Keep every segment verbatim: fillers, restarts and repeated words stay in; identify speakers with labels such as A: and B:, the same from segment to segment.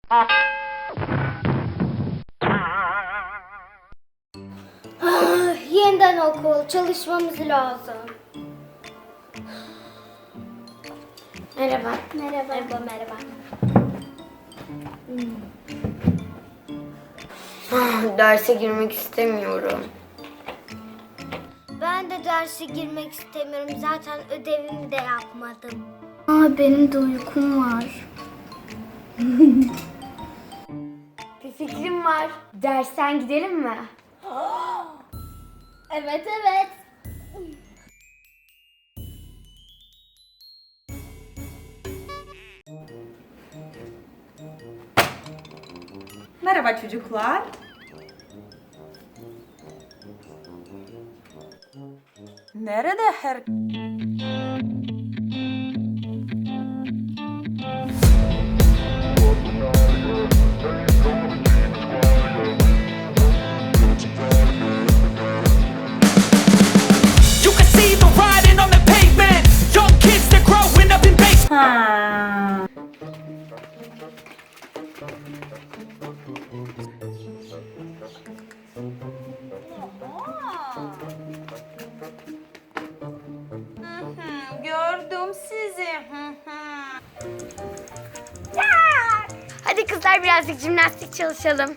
A: Yeniden okul, çalışmamız lazım. Merhaba. Merhaba. Merhaba, merhaba.
B: Ah, derse girmek istemiyorum.
A: Ben de derse girmek istemiyorum. Zaten ödevimi de yapmadım. Aa, benim de uykum var.
B: Bir fikrim var. Dersten gidelim mi?
A: Evet, evet.
C: Merhaba çocuklar. Nerede her...
D: You can see the writing on the pavement. Young kids, they're growing up in base.
C: Ha. Hı hı, gördüm sizi. Hı hı.
B: Hadi kızlar birazcık jimnastik çalışalım.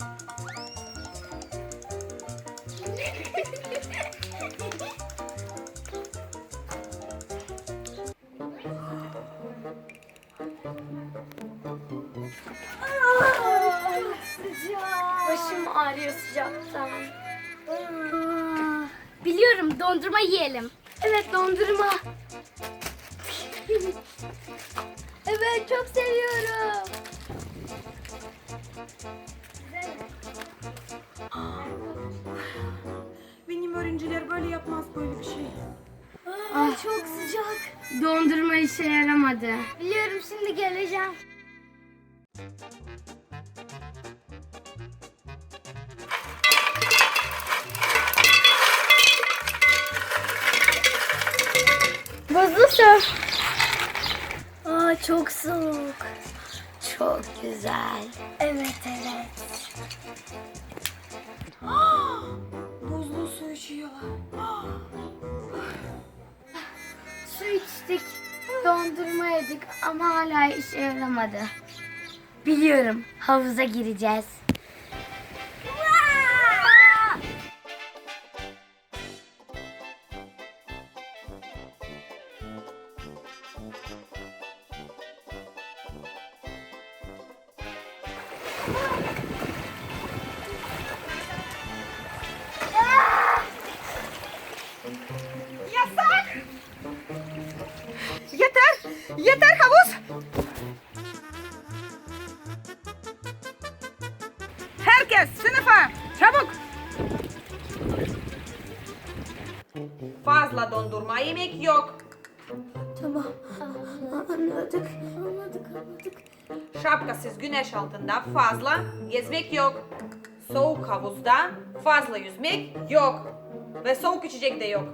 B: Başım ağrıyor sıcaktan.
A: Aa, biliyorum, dondurma yiyelim.
B: Evet, dondurma.
A: Evet, çok seviyorum.
C: Benim öğrenciler böyle yapmaz böyle bir şey.
A: Aa, çok sıcak.
B: Dondurma işe yaramadı.
A: Biliyorum, şimdi geleceğim.
B: Buzlu su.
A: Aa, çok soğuk.
B: Çok güzel.
A: Evet, evet.
C: Buzlu su içiyorlar.
B: Su içtik, dondurma yedik ama hala işe yaramadı. Biliyorum, havuza gireceğiz.
C: Yasak! Yeter! Yeter havuz! Herkes sınıfa! Çabuk! Fazla dondurma yemek yok.
A: Tamam, anladık. Anladık, anladık.
C: Şapkasız güneş altında fazla gezmek yok. Soğuk havuzda fazla yüzmek yok. Ve soğuk içecek de yok.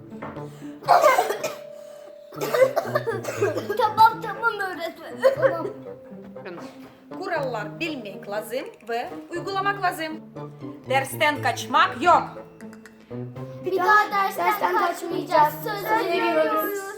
A: Tamam, tamam öğretmenim. Tamam.
C: Kurallar bilmek lazım ve uygulamak lazım. Dersten kaçmak yok.
A: Bir daha dersten, kaçmayacağız. Söz veriyoruz.